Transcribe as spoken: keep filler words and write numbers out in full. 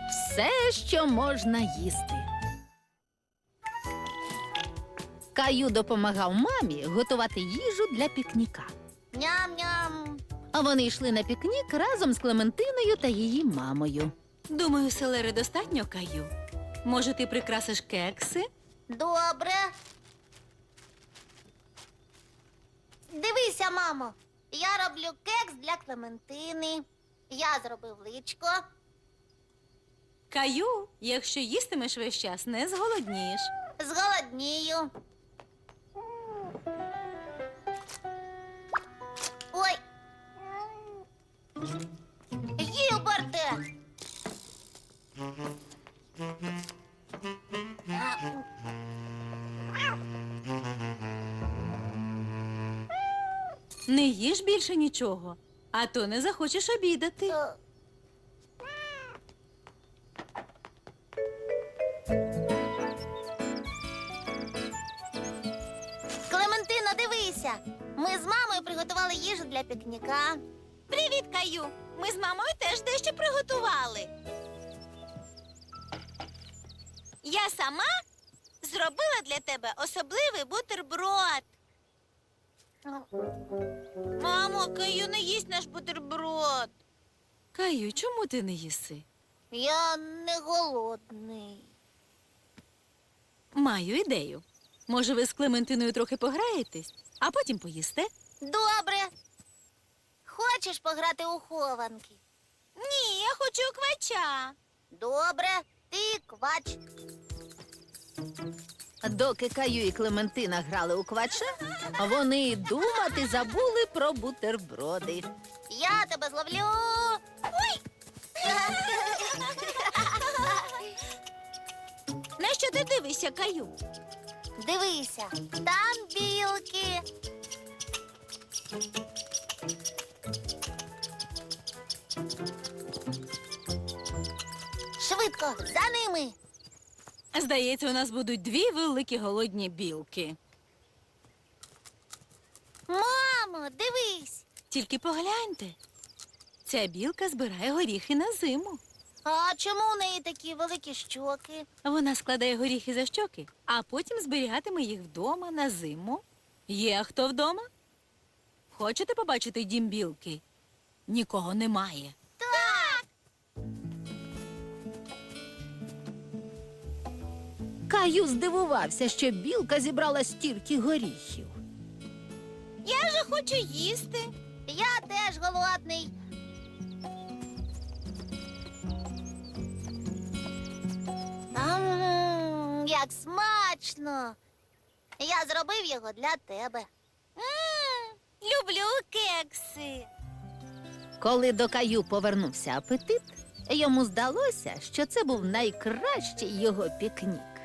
все, що можна їсти. Каю допомагав мамі готувати їжу для пікніка. Ням-ням. А вони йшли на пікнік разом з Клементиною та її мамою. Думаю, селери достатньо, Каю. Може, ти прикрасиш кекси? Добре. Дивися, мамо. Я роблю кекс для Клементини. Я зробив личко. Каю, якщо їстимеш весь час, не зголоднієш. Зголоднію. Ой. Гілберте. Не їж більше нічого, а то не захочеш обідати. Е, Клементино, дивися. Ми з мамою приготували їжу для пікніка. Привіт, Каю! Ми з мамою теж дещо приготували. Я сама зробила для тебе особливий бутерброд. Мамо, Каю не їсть наш бутерброд. Каю, чому ти не їси? Я не голодний. Маю ідею. Може, ви з Клементиною трохи пограєтесь, а потім поїсте? Добре. Хочеш пограти у хованки? Ні, я хочу квача. Добре, ти квач. Доки Каю і Клементина грали у квача, вони й думати забули про бутерброди. Я тебе зловлю. Ой! На що ти дивишся, Каю? Дивися, там білки. Швидко, за ними. Здається, у нас будуть дві великі голодні білки. Мамо, дивись. Тільки погляньте. Ця білка збирає горіхи на зиму. А чому у неї такі великі щоки? Вона складає горіхи за щоки, а потім зберігатиме їх вдома на зиму. Є хто вдома? Хочете побачити дім білки? Нікого немає. Так. Каю здивувався, що білка зібрала стільки горіхів. Я же хочу їсти. Я теж голодний. Ам, як смачно. Я зробив його для тебе. М, люблю кекси. Коли до Каю повернувся апетит, йому здалося, що це був найкращий його пікнік.